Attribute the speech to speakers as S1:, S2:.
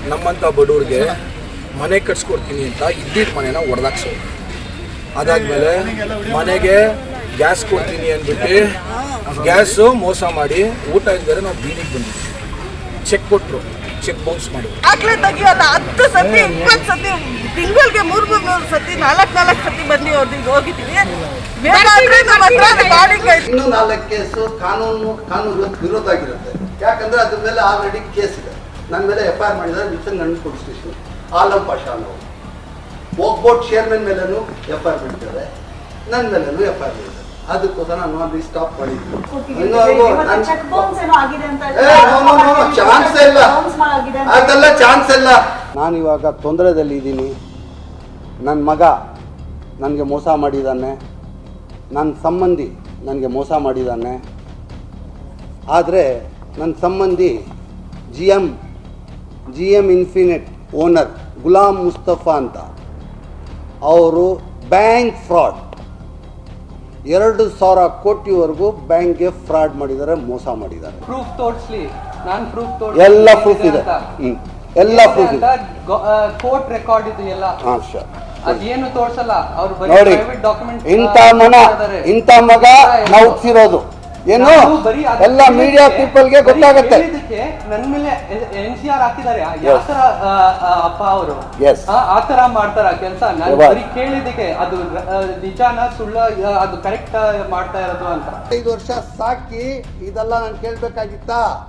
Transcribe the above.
S1: ನಮ್ಮಂಥ ಬಡವ್ರಿಗೆ ಮನೆ ಕಟ್ಸ್ಕೊಡ್ತೀನಿ ಅಂತ ಇದ್ದಿದ್ದ ಮನೆನ ಒಡೆದಾಕ್ಸೋ. ಅದಾದಮೇಲೆ ಮನೆಗೆ ಗ್ಯಾಸ್ ಕೊಡ್ತೀನಿ ಅಂದ್ಬಿಟ್ಟು ಗ್ಯಾಸು ಮೋಸ ಮಾಡಿ ಊಟ ಇದ್ದರೆ ನಾವು ಬೀದಿಗೆ ಬಂದಿದ್ವಿ. ಚೆಕ್ ಕೊಟ್ಟರು, ಚೆಕ್ ಬೌನ್ಸ್ ಮಾಡಿ
S2: ಆಗ್ಲೇ ತೆಗಿಯೋಲ್ಲ 10 ಸತಿ 20 ಸತಿ ತಿಂಗಳಿಗೆ 3 ಸತಿ 4 ಸತಿ ಬಂದು ಅವ್ರಿಗೆ ಹೋಗಿದ್ದೀವಿ.
S3: ಇನ್ನೂ 4 ಕೇಸು ಕಾನೂನು ವಿರೋಧ ಆಗಿರುತ್ತೆ. ಯಾಕಂದ್ರೆ ಅದ್ರ ಮೇಲೆ ಆಲ್ರೆಡಿ ಕೇಸ್ ಇದೆ. ನನ್ನ ಮೇಲೆ FIR ಮಾಡಿದ್ದಾರೆ Wilson police station. Alam Pasha ಅನ್ನೋ ಬೋಟ್ ಚೇರ್ಮನ್ ಮೇಲೂ FIR ಮಾಡಿದ್ದಾರೆ, ನನ್ನ ಮೇಲೂ FIR ಮಾಡಿದ್ದಾರೆ. ಅದಕ್ಕೋಸ್ಕರ ನಾನು ಅಲ್ಲಿ ಸ್ಟಾಪ್ ಮಾಡಿದ್ವಿ. ಚಾನ್ಸ್ ಇಲ್ಲ, ಅದೆಲ್ಲ ಚಾನ್ಸ್ ಇಲ್ಲ. ನಾನು ಇವಾಗ ತೊಂದರೆದಲ್ಲಿ ಇದ್ದೀನಿ. ನನ್ನ ಮಗ ನನಗೆ ಮೋಸ ಮಾಡಿದ್ದಾನೆ, ನನ್ನ ಸಂಬಂಧಿ ನನಗೆ ಮೋಸ ಮಾಡಿದ್ದಾನೆ. ಆದರೆ ನನ್ನ ಸಂಬಂಧಿ GM infinite owner Gulam Mustafa ಅಂತ, ಅವರು ಬ್ಯಾಂಕ್ ಫ್ರಾಡ್ 2,000 ಕೋಟಿವರೆಗೂ ಬ್ಯಾಂಕ್ಗೆ ಫ್ರಾಡ್ ಮಾಡಿದ್ದಾರೆ, ಮೋಸ ಮಾಡಿದ್ದಾರೆ.
S4: ಪ್ರೂಫ್ ತೋರಿಸ್ಲಿ, ನಾನು ಪ್ರೂಫ್
S3: ಎಲ್ಲ ಪ್ರೂಫ್ ಇದೆ, ಎಲ್ಲ ಪ್ರೂಫ್ ಇದೆ.
S4: ಕೋರ್ಟ್ ರೆಕಾರ್ಡ್ ಇದು ಎಲ್ಲ. ಅದೇನು ತೋರ್ಸಲ್ಲ ಅವ್ರು.
S3: ನೋಡಿ, ಇಂಥ ಮಗ ನಾವು ಹುಟ್ಟಿರೋದು ಏನು ಎಲ್ಲ ಮೀಡಿಯಾ ಪೀಪಲ್ಗೆ ಗೊತ್ತಾಗುತ್ತೆ.
S4: ನನ್ನ ಮೇಲೆ NCR ಹಾಕಿದ್ದಾರೆ ಯಾತರ ಅಪ್ಪ ಅವರು ಆತರ ಮಾಡ್ತಾರ ಕೆಲಸ. ನಾನು ಬರೀ ಕೇಳಿದ್ದಕ್ಕೆ ಅದು ನಿಜಾನ ಸುಳ್ಳ, ಅದು ಕರೆಕ್ಟ್ ಮಾಡ್ತಾ ಇರೋದು ಅಂತ.
S3: 5 ವರ್ಷ ಸಾಕಿ ಇದೆಲ್ಲ ನಾನು ಕೇಳ್ಬೇಕಾಗಿತ್ತಾ?